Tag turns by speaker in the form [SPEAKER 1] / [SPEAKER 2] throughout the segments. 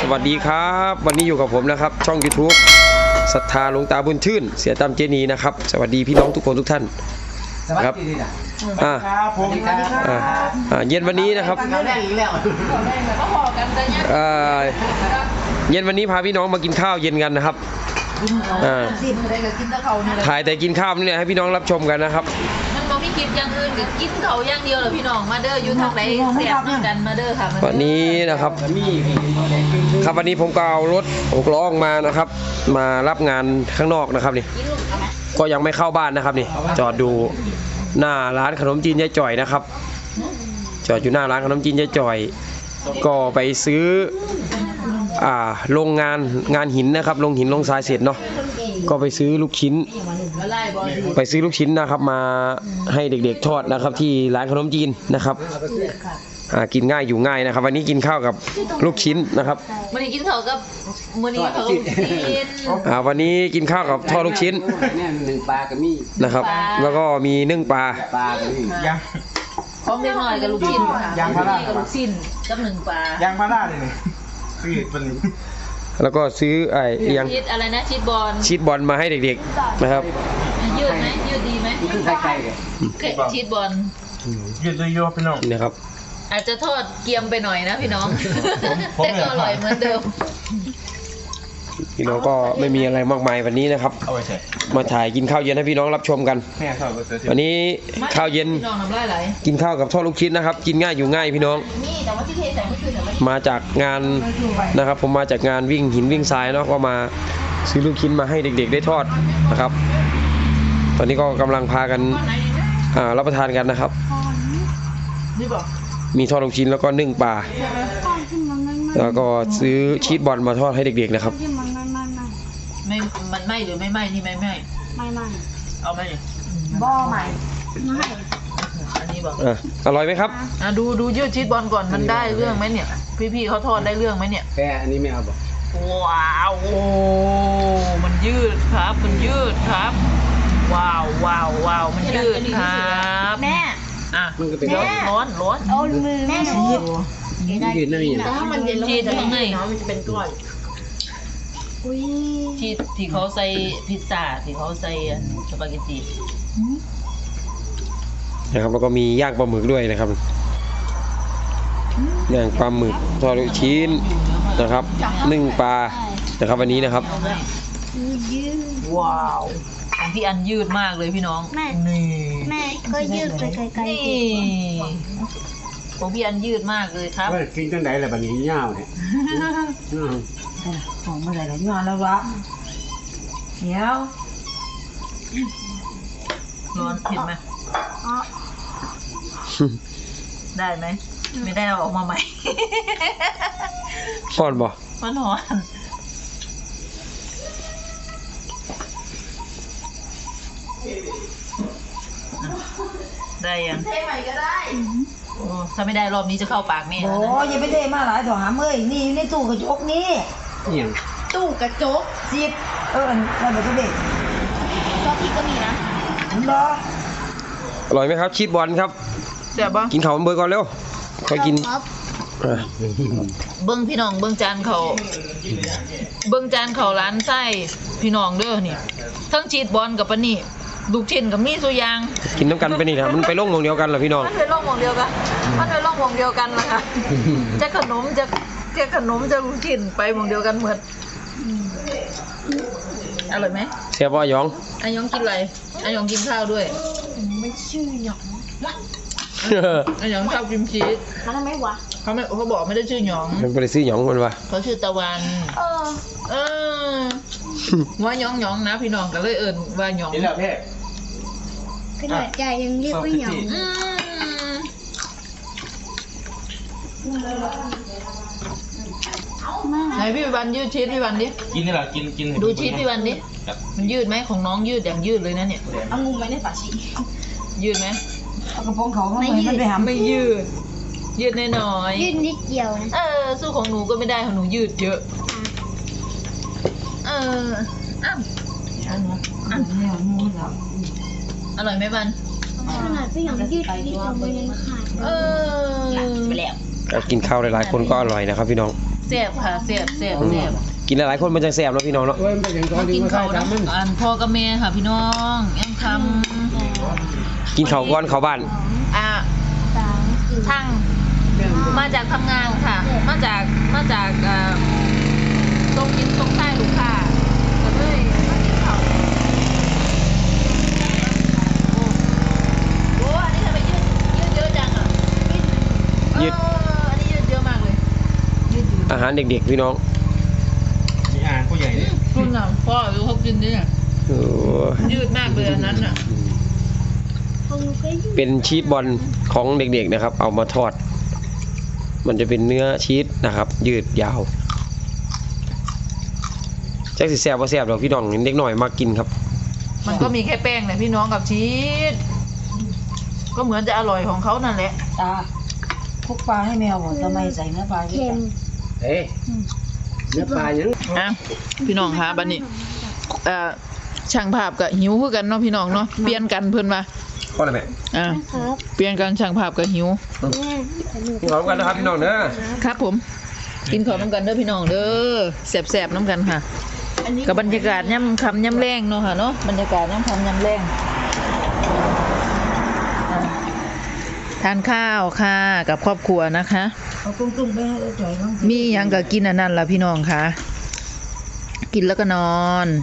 [SPEAKER 1] วัสดีครับวันนี้อยู่กับผมนะครับช่อง YouTube ศรัทธาหลวงตาบุญชื่นเสียตามเจนีนะครับสวัสดีพี่น้องทุกคนทุกท่านครับ
[SPEAKER 2] ผม
[SPEAKER 1] เย็นวันนี้นะครับเย็นวันนี้พาพี่น้องมากินข้าวเย็นกันนะครับถ่ายแต่กินข้าวนี่ให้พี่น้องรับชมกันนะครับ
[SPEAKER 3] มันบ่มีคลิปอย่างอื่นกินเขาอย่างเดียวเหรอพี่น้องมาเด้ออยู่ทางไหนแซ่บกันมาเด้อค่ะ
[SPEAKER 1] วันนี้นะครับครับวันนี้ผมก็เอารถ6 ล้อมานะครับมารับงานข้างนอกนะครับนี่ก็ยังไม่เข้าบ้านนะครับนี่จอดดูหน้าร้านขนมจีนยายจ่อยนะครับจอดอยู่หน้าร้านขนมจีนยายจ่อยก็ไปซื้อโรงงานหินนะครับลงหินลงทรายเสร็จเนาะก็ไปซื้อลูกชิ้นนะครับมาให้เด็กๆทอดนะครับที่ร้านขนมจีนนะครับกินง่ายอยู่ง่ายนะครับวันนี้กินข้าวกับลูกชิ้นนะครับ
[SPEAKER 3] วันนี้กินข้าวกับมื้อนี้เขาลูกชิ้น
[SPEAKER 1] วันนี้กินข้าวกับทอดลูกชิ้น
[SPEAKER 2] นึ่งปลากับมี
[SPEAKER 1] นะครับแล้วก็มีนึ่งปลา
[SPEAKER 2] กับมี
[SPEAKER 3] ย่างพร้อมเล็กน้อยกับลูกชิ้นย่างพารากับลูกชิ้นกับนึ่งปลา
[SPEAKER 2] ย่างพาราเลย
[SPEAKER 1] แล้วก็ซื้อยัง
[SPEAKER 3] ชีสอะไรนะ
[SPEAKER 1] ชีสบอลมาให้เด็กๆนะครับ
[SPEAKER 3] ยืดไหมยืดดีไหมชีสบอล
[SPEAKER 2] ยืดด้วยย่อพี่น้อง
[SPEAKER 1] นะครับ
[SPEAKER 3] อาจจะทอดเกียมไปหน่อยนะพี่น้องแต่ก็อร่อยเหมือนเดิม
[SPEAKER 1] พี่น้องก็ไม่มีอะไรมากมายวันนี้นะครับมาถ่ายกินข้าวเย็นให้พี่น้องรับชมกันวันนี้ข้าวเย็นกินข้าวกับทอดลูกชิ้นนะครับกินง่ายอยู่ง่ายพี่น้องมาจากงานนะครับผมมาจากงานวิ่งหินวิ่งทรายเนาะก็มาซื้อลูกชิ้นมาให้เด็กๆได้ทอดนะครับตอนนี้ก็กำลังพากันรับประทานกันนะครับมีทอดลูกชิ้นแล้วก็นึ่งปลาแล้วก็ซื้อชีสบอลมาทอดให้เด็กๆนะครับ
[SPEAKER 3] มันไหมหรือไม่ไหมนี่ไม่เอาไหม
[SPEAKER 4] บ่ใหม่
[SPEAKER 3] อันนี้บอก
[SPEAKER 1] อร่อยไหมครับ
[SPEAKER 3] ดูยืดชีสบอลก่อนมันได้เรื่องไหมเนี่ยพี่เขาทอดได้เรื่องไหมเนี่ย
[SPEAKER 2] แค่อันนี้ไม่เอาบอก
[SPEAKER 3] ว้าวโอ้มันยืดครับมันยืดครับว้าวมันยืดครับ
[SPEAKER 4] แม่
[SPEAKER 2] มันก็เป็น
[SPEAKER 3] ร้อน
[SPEAKER 4] เอามือแม่ชีส
[SPEAKER 2] ยืดนั่นอย่าง
[SPEAKER 3] ถ้ามันเย็นชีสข้างในมันจะเป็นก้อนชีสที่เขาใส่พิซซ่าที่เขาใส่สปาเกตตี
[SPEAKER 1] นะครับแล้วก็มีย่างปลาหมึกด้วยนะครับย่างปลาหมึกทอดลูกชิ้นนะครับนึ่งปลานะครับวันนี้นะครับ
[SPEAKER 3] ว้าวของพี่อันยืดมากเลยพี่น้อง
[SPEAKER 4] แม่ก็ยืดไปไกล
[SPEAKER 3] ของพี่อันยืดมากเลยครับ
[SPEAKER 2] กินจังได๋ล่ะบัดนี้ยาวเนี่ย
[SPEAKER 3] ของเมื่อไหร่ล่ะยาวแล้ววะเดี๋ยวร้อนเห็นไหมได้ไหมไม่ได้เอาออกมาใหม่
[SPEAKER 1] ร้อนบ่
[SPEAKER 3] มันร้อนได้ยังเทใหม่ก็ได้ถ้าไม่ได้รอบนี้จะเข้าปากแม่
[SPEAKER 4] โอ้ยอย่าไปเทมาหลายถอหามเอ้ยนี่ในตู้กระจกนี่ตู้กระจก10นั่นแบบเด็กก็พี่ก็มีนะ
[SPEAKER 1] อร่อยไหมครับชีสบอลครับ
[SPEAKER 3] แซ่บบ้าง
[SPEAKER 1] กินข้าวเบอร์ก่อนเร็วค่อยกิน
[SPEAKER 3] เบิ้งพี่น้องเบิ้งจานเขาร้านไส้พี่น้องเด้อนี่ทั้งชีสบอลกับปะนี่ลูกชิ้นกับมีสุยาง
[SPEAKER 1] กินน้ำกันไปนี่นะมันไปล่องวงเดียวกันเหรอพี่น้อง
[SPEAKER 3] มันไปล่องวงเดียวกันล่ะค่ะจะขนมจะลูกชิ้นไปวงเดียวกันเหมือนอร่อยไหม
[SPEAKER 1] เสียบอยอง
[SPEAKER 3] กินอะไรยองกินข้าวด้วย
[SPEAKER 4] ไม่ชื่อหยอง
[SPEAKER 3] ยองชอบกินชีส
[SPEAKER 4] มันทำไมวะ
[SPEAKER 3] เขาบอกไม่ได้ชื่อหยอง
[SPEAKER 1] มันไม่ได้ชื่อหยองมันวะ
[SPEAKER 3] เขาชื่อตะวันว่าหยองนะพี่น้องก็เลยว่าหยอง
[SPEAKER 2] นี่แหละแม่
[SPEAKER 4] ขนาดใจยังเรียกว่าหยอง
[SPEAKER 3] ไหนพี่วันยืดชีสพี่วันดิ
[SPEAKER 2] กินนี่แหละกิน
[SPEAKER 3] ดูชีสพี่วันดิมันยืดไหมของน้องยืดอย่างยืดเลยนะเนี่ย
[SPEAKER 4] เอางูไว้ในฝาชี
[SPEAKER 3] ยืดไหม
[SPEAKER 4] เอากระโปรงเขาไม่ยืด
[SPEAKER 3] ไม่ยืดน้อย
[SPEAKER 4] ยืดนิดเดียวนะ
[SPEAKER 3] สู้ของหนูก็ไม่ได้ของหนูยืดเยอะอร่อยไหมบัน
[SPEAKER 4] ขนาดพี่หยองยืดนิดเดียวมันยังขาด
[SPEAKER 3] ไปแล้ว
[SPEAKER 1] กินข้าวหลายๆคนก็อร่อยนะครับพี่น้อง
[SPEAKER 3] แซ่บค่ะแซ่บแซ่บแซ่บ
[SPEAKER 1] กินหลายๆคนมันจะแซ่บเนาะพี่น้องเนาะ
[SPEAKER 2] เว้ยมันเป็นอย่างตอน
[SPEAKER 3] มา
[SPEAKER 2] นี้
[SPEAKER 3] กิน
[SPEAKER 2] มาใส่
[SPEAKER 3] ข้าว
[SPEAKER 2] ตามมัน
[SPEAKER 3] อันพ่อกับแม่ค่ะพี่น้องยังท
[SPEAKER 1] กินข้าวก่อนเข้าบ้าน
[SPEAKER 3] ำทั้งมาจากทำงานค่ะ มาจากตรงกินตรงใต้ลูกค้าก็เลยมากินข้าวโอ้อันนี้ทำไมยืดเยอะจังอ่ะ
[SPEAKER 1] ยืด
[SPEAKER 3] อันนี้ยืดเยอะมากเลยยืดเยอะ
[SPEAKER 1] อาหารเด็กๆพี่น้อง
[SPEAKER 2] มีอ่างผู้ใหญ่เนี่ย
[SPEAKER 3] คุณน่ะพ่อดูเขากินดิเนี่ย
[SPEAKER 1] โอ้
[SPEAKER 3] ยืดมากเลยอันนั้นอ่ะ
[SPEAKER 1] เป็นชีสบอลของเด็กๆนะครับ เอามาทอด มันจะเป็นเนื้อชีสนะครับ ยืดยาวแจ็คสิแซ่บว่าแซ่บดอกพี่น้องเด็กหน่อยมากินครับ
[SPEAKER 3] มันก็มีแค่แป้งแหละพี่น้องกับชีสก็เหมือนจะอร่อยของเขานั่นแหละ
[SPEAKER 4] ตาคุกปลาให้แมวบอกทำไมใส่เนื้อปลาเค็ม
[SPEAKER 2] เอ๊ะเนื้อปลายัง
[SPEAKER 3] อ่ะพี่น้องคะบัดนี้ช่างภาพกับหิวคือกันเนาะพี่น้องเนาะเปลี่ยนกันเพิ่นว่า
[SPEAKER 1] ก็อะไรแม่
[SPEAKER 3] เปลี่ยนกันช่างภาพกับหิว
[SPEAKER 1] กินข้าวกันนะครับพี่น้องเด้อ
[SPEAKER 3] ครับผม กินข้าวน้ำกันเด้อพี่น้องเด้อแซ่บๆน้ำกันค่ะกับบรรยากาศย่ำคำย่ำแรงเนาะค่ะเนาะบรรยากาศย่ำคำย่ำแรงทานข้าวค่ะกับครอบครัวนะคะ
[SPEAKER 4] เอาตุ้งๆไปให้จ่อยบ้าง
[SPEAKER 3] มีหยังก็กินอันนั้นล่ะพี่น้องค่ะ กินแล้วก็นอน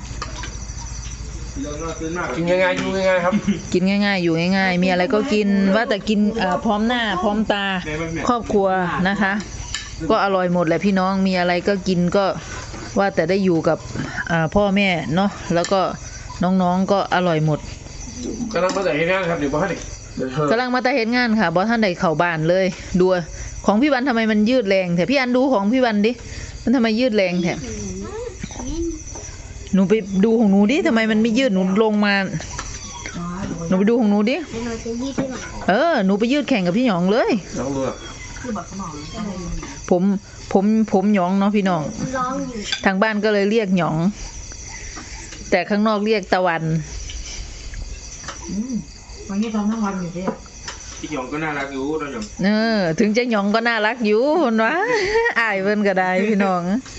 [SPEAKER 1] กินง่ายๆอยู่ง่ายๆครับ
[SPEAKER 3] กินง่ายๆ อยู่ง่ายๆ มีอะไรก็กินว่าแต่กินพร้อมหน้าพร้อมตาครอบครัวนะคะ ก็อร่อยหมดแหละพี่น้องมีอะไรก็กินก็ว่าแต่ได้อยู่กับพ่อแม่เนาะแล้วก็น้องๆก็อร่อยหมด
[SPEAKER 1] กำลังมาแต่เห็นงานครับเดี๋ยวบอกให้
[SPEAKER 3] กำลังมาแต่เฮ็ดงานค่ะบอท่านใดเข้าบ้านเลยดูของพี่วันทำไมมันยืดแรงแถพี่อันดูของพี่วันดิมันทำไมยืดแรงแถหนูไปดูของหนูดิทำไมมันไม่ยืดหนูลงมาหนูไปดูของหนูดิหนูไปยืดแข่งกับพี่หยองเลย
[SPEAKER 1] น้องดูอ่ะ
[SPEAKER 3] ผมหยองเนาะพี่น้องทางบ้านก็เลยเรียกหยอง แต่ข้างนอกเรียกตะวัน
[SPEAKER 4] วันนี้ทำทั้งวันอยู่ดิ
[SPEAKER 2] พี่หยองก็น่ารักอยู่เราหยอง
[SPEAKER 3] ถึงจะหยองก็น่ารักอยู่คนวะ อายเพิ่นก็ได้พี่น้อง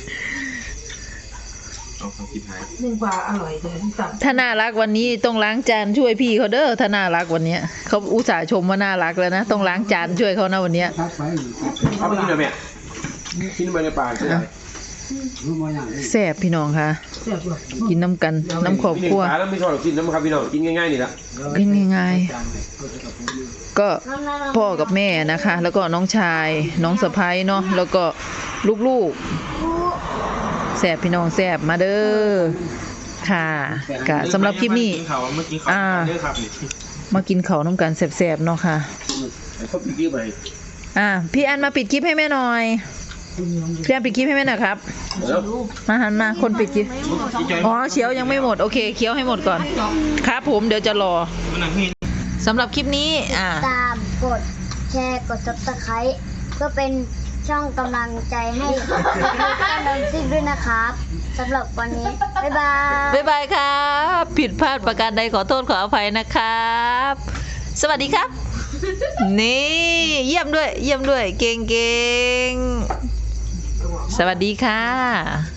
[SPEAKER 2] เอาความคิดหาย
[SPEAKER 4] นึ่งปลาอร่อยเลยตับ
[SPEAKER 3] ถ้าน่ารักวันนี้ต้องล้างจานช่วยพี่เขาเด้อถ้าน่ารักวันเนี้ยเขาอุตส่าห์ชมว่าน่ารักแล้วนะต้องล้างจานช่วยเขานะวันเนี้ย
[SPEAKER 2] พักไป
[SPEAKER 1] เอาไปกินหน่อยแม่กินมาในป่าใช่ไหม
[SPEAKER 2] รู้มาอย่างนี้
[SPEAKER 3] แซ่บพี่น้องค่ะ
[SPEAKER 4] เสียบเลย
[SPEAKER 3] กินน้ำกันน้ำครอบครัว
[SPEAKER 1] มีหนึ่งปลาแล้วไม่ชอบกินน้ำครับพี่น้องกินง่ายๆนี่ละ
[SPEAKER 3] กินง่ายๆก็พ่อกับแม่นะคะ แล้วก็น้องชายน้องสะพ้ายเนาะแล้วก็ลูกๆแซ่บพี่น้องแซ่บมาเด้อค่ะกะสำหรับคลิปนี้
[SPEAKER 2] กินข้าวเมื่อกี้ข้าวเด้อครับนี่
[SPEAKER 3] มากินข้าวน้ำกันแซ่บๆเนาะค่ะ
[SPEAKER 2] เขาพี่กี้ไป
[SPEAKER 3] พี่อันมาปิดคลิปให้แม่หน่อยพี่อันปิดคลิปให้แม่หน่อยครับ
[SPEAKER 1] แล้ว
[SPEAKER 3] มาหันมาคนปิดคลิป
[SPEAKER 2] พี่จอย
[SPEAKER 3] อ๋อเคี้ยวยังไม่หมดโอเคเคี้ยวให้หมดก่อนครับผมเดี๋ยวจะรอ
[SPEAKER 2] มันนั่งพี่
[SPEAKER 3] สำหรับคลิปนี้
[SPEAKER 5] ตามกดแชร์กด Subscribe เพื่อเป็นช่องกำลังใจให้ช่องดังซิ่งด้วยนะครับสำหรับวันนี้ บ๊ายบาย
[SPEAKER 3] บ๊ายบายครับ ผิดพลาดประการใดขอโทษขออภัยนะครับ สวัสดีครับ นี่เยี่ยมด้วยเก่งๆ สวัสดีค่ะ